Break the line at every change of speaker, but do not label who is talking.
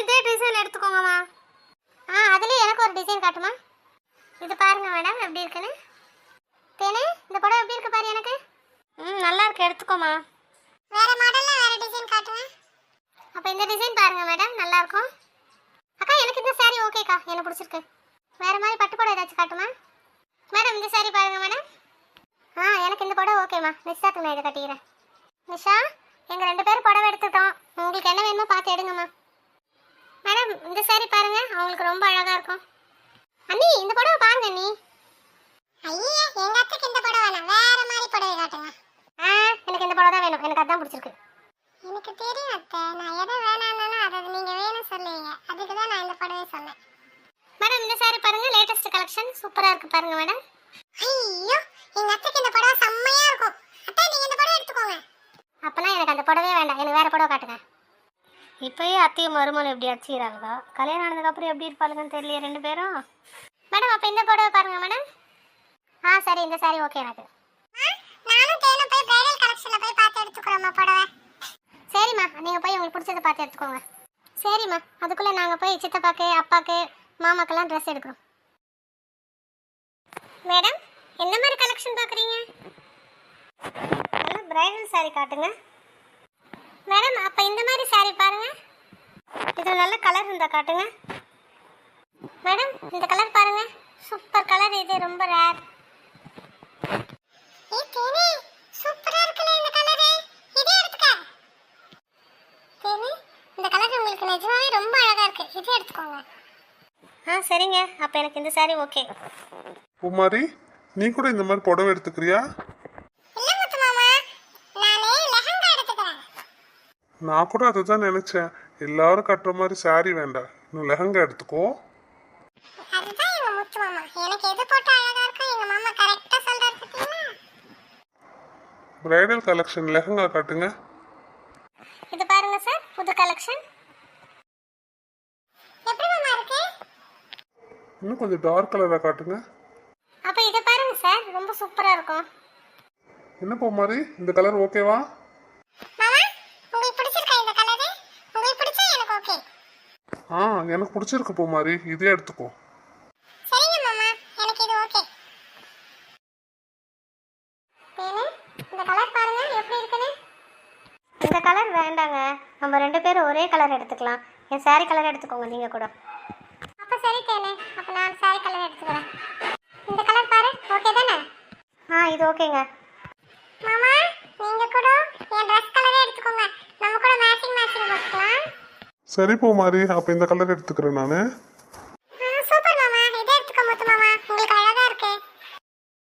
இதே டிசைன் எடுத்துக்கோங்கம்மா. அதுலேயே எனக்கு ஒரு டிசைன் காட்டுமா. இது பாருங்க மேடம் எப்படி இருக்குன்னு. தேனே இந்த புடவை எப்படி இருக்கு பாரு எனக்கு. நல்லா இருக்கு, எடுத்துக்கோமா. வேற மாடல்ல வேற டிசைன் காட்டுங்க. அப்போ இந்த டிசைன் பாருங்க மேடம், நல்லா இருக்கும். அக்கா எனக்கு இந்த saree ஓகேக்கா, எனக்கு பிடிச்சிருக்கு. வேற மாதிரி பட்டு புடவை ஏதாச்சும் காட்டுமா மேடம். இந்த saree பாருங்க மேடம். எனக்கு இந்த புடவை ஓகேம்மா. நிஷாக்கு நான் இதை கட்டிக்கிறேன். நிஷா, எங்கள் 2 பேரும் புடவை எடுத்துட்டோம். உங்களுக்கு என்ன வேணுமோ பார்த்து எடுங்கம்மா. மேடம் இந்த saree பாருங்க, அவங்களுக்கு ரொம்ப அழகாக இருக்கும். அண்ணி இந்த புடவை பாருங்க அண்ணி. ஐயே எங்க அத்தைக்கு இந்த புடவை வேணாம், வேற மாதிரி புடவை காட்டுங்க. எனக்கு இந்த புடவை தான் வேணும், எனக்கு அதான் பிடிச்சிருக்கு. எனக்கு தெரியும் அத்தை, நான் எதை வேணாம்னாலும் அதை நீங்க வேணும் சொல்லுவீங்க, அதுக்கு தான் நான் இந்த புடவை சொன்னேன். மேடம் இந்த saree பாருங்க, லேட்டஸ்ட் கலெக்ஷன் சூப்பரா இருக்கு பாருங்க மேடம். ஐயோ எங்க அத்தைக்கு இந்த புடவை செம்மையா இருக்கும். அத்தை நீங்க இந்த புடவை எடுத்துக்கோங்க. அப்பனா எனக்கு அந்த புடவே வேண்டாம், எனக்கு வேற புடவை காட்டுங்க. இப்போயே அத்தையும் மருமகளும் எப்படி அடிச்சுக்கிறாங்களோ, கல்யாணம் ஆனதுக்கப்புறம் எப்படி இருப்பாளுங்கன்னு தெரியல 2 பேரும். மேடம் அப்போ இந்த புடவை பாருங்க மேடம். சரி இந்த saree ஓகே எனக்கு. நானும் தேனும் போய் பிரைடல் கலெக்ஷன்ல போய் பார்த்து எடுத்துக்கறோம்மா புடவை. சரிம்மா, நீங்க போய் உங்களுக்கு பிடிச்சத பார்த்து எடுத்துக்கோங்க. சரிம்மா, அதுக்குள்ள நாங்க போய் சித்தப்பாக்கு அப்பாக்கு மாமாக்கெல்லாம் ட்ரெஸ் எடுக்கிறோம். மேடம் என்ன மாதிரி கலெக்ஷன் பார்க்குறீங்க? நல்லா பிரைடல் saree காட்டுங்க. மேடம் அப்போ இந்த மாதிரி saree பாருங்க, இதில் நல்ல கலர் இருந்தால் காட்டுங்க. மேடம் இந்த கலர் பாருங்க, சூப்பர் கலர், இது ரொம்ப ரேர். சூப்பரா இருக்குல இந்த கலர், இதே எடுத்துக்க. தேனி இந்த கலர் உங்களுக்கு நிஜமாவே ரொம்ப அழகா இருக்கு, இதே எடுத்துக்கோங்க. சரிங்க, அப்போ எனக்கு இந்த saree ஓகே.
குமாரி, நீ கூட இந்த மாதிரி புடவை எடுத்துக்கிறியா?
இல்ல முத்து மாமா, நானே லெஹங்கா எடுத்துக்கிறேன்.
நான் கூட அதை தான் நினைச்சேன். எல்லாரும் கட்டுற மாதிரி saree வேண்டாம், இன்னும் லெஹங்கா எடுத்துக்கோ.
அதுதான் எங்க முத்து மாமா, எனக்கு எது போட்டா அழகா இருக்கோ எங்க மாமா கரெக்டா சொல்றாரு பாத்தீங்களா.
பிரைடல் கலெக்ஷன் லெஹங்கா காட்டுங்க.
இது பாருங்க சார், புது கலெக்ஷன். எப்படி மாமா இருக்கு?
இன்னும் கொஞ்சம் டார்க் கலரா காட்டுங்க.
அப்ப இத பாருங்க சார், ரொம்ப சூப்பரா இருக்கும்.
என்ன குமாரி, இந்த கலர் ஓகேவா?
மாமா உங்களுக்கு பிடிச்சிருக்கா இந்த கலர்? உங்களுக்கு பிடிச்சா எனக்கு ஓகே.
எனக்கு பிடிச்சிருக்கு குமாரி, இதே எடுத்துக்கோ.
சரிங்க மாமா, எனக்கு இது ஓகே. தேனே இந்த கலர் பாருங்க எப்படி இருக்குன்னு. இந்த கலர் வேண்டாங்க, நம்ம 2 பேரும் ஒரே கலர் எடுத்துக்கலாம். என் saree கலர் எடுத்துக்கோங்க நீங்க கூட. அப்ப சரி தேனே, அப்ப நான் saree கலர் எடுத்துக்கிறேன். இந்த கலர் பாரு, ஓகே தானே? இது ஓகேங்க. மாமா நீங்க கூட என் Dress கலரே எடுத்துக்கோங்க, நம்ம கூட மேட்சிங் போட்டுக்கலாம்.
சரி குமாரி, அப்போ இந்த கலர் எடுத்துக்கிறேன் நான்.